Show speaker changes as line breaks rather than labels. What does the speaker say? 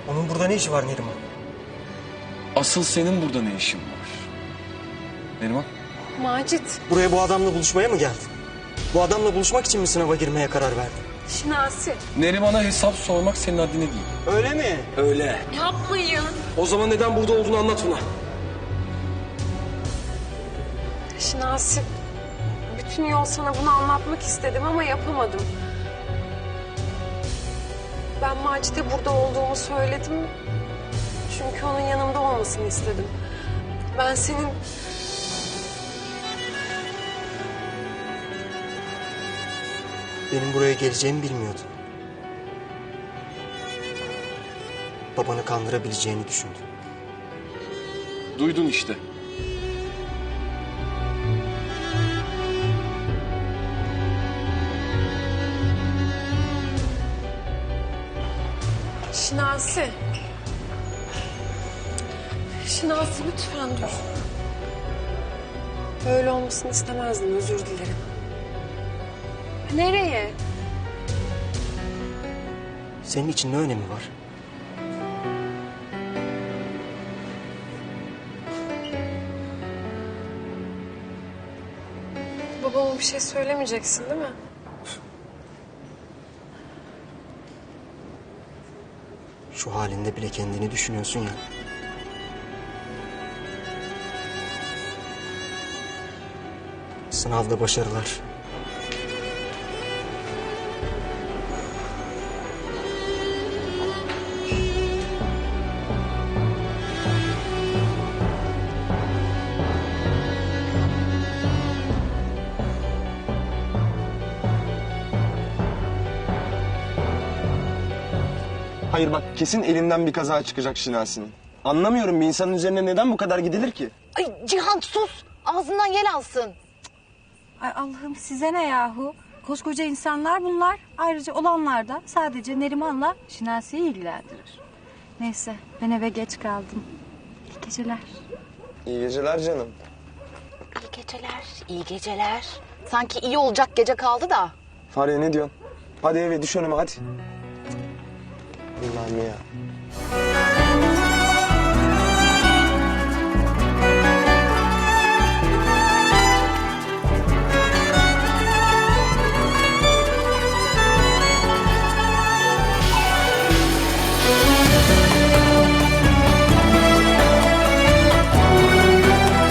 Onun burada ne işi var Neriman?
Asıl senin burada ne işin var? Neriman?
Macit,
Buraya bu adamla buluşmaya mı geldin? Bu adamla buluşmak için mi sınava girmeye karar verdin?
Şinasi.
Neriman'a hesap sormak senin haddine değil.
Öyle mi?
Öyle.
Yapmayın.
O zaman neden burada olduğunu anlat ona.
Şinasi, bütün yol sana bunu anlatmak istedim ama yapamadım. Ben Macit'e burada olduğumu söyledim. Çünkü onun yanımda olmasını istedim. Ben senin...
Benim buraya geleceğimi bilmiyordun. Babanı kandırabileceğini düşündün.
Duydun işte.
Şinasi. Şinasi lütfen dur. Böyle olmasını istemezdim, özür dilerim. Nereye?
Senin için ne önemi var?
Babama bir şey söylemeyeceksin değil mi?
Şu halinde bile kendini düşünüyorsun ya. Sınavda başarılar.
Hayır bak kesin elinden bir kaza çıkacak Şinasi'nin. Anlamıyorum bir insanın üzerine neden bu kadar gidilir ki?
Ay Cihan sus. Ağzından yel alsın.
Ay Allah'ım size ne yahu? Koskoca insanlar bunlar. Ayrıca olanlar da sadece Neriman'la Şinasi'yi ilgilendirir. Neyse ben eve geç kaldım. İyi geceler.
İyi geceler canım.
İyi geceler, iyi geceler. Sanki iyi olacak gece kaldı da.
Fahriye ne diyorsun? Hadi eve düş önüme hadi. Allah'ım ya.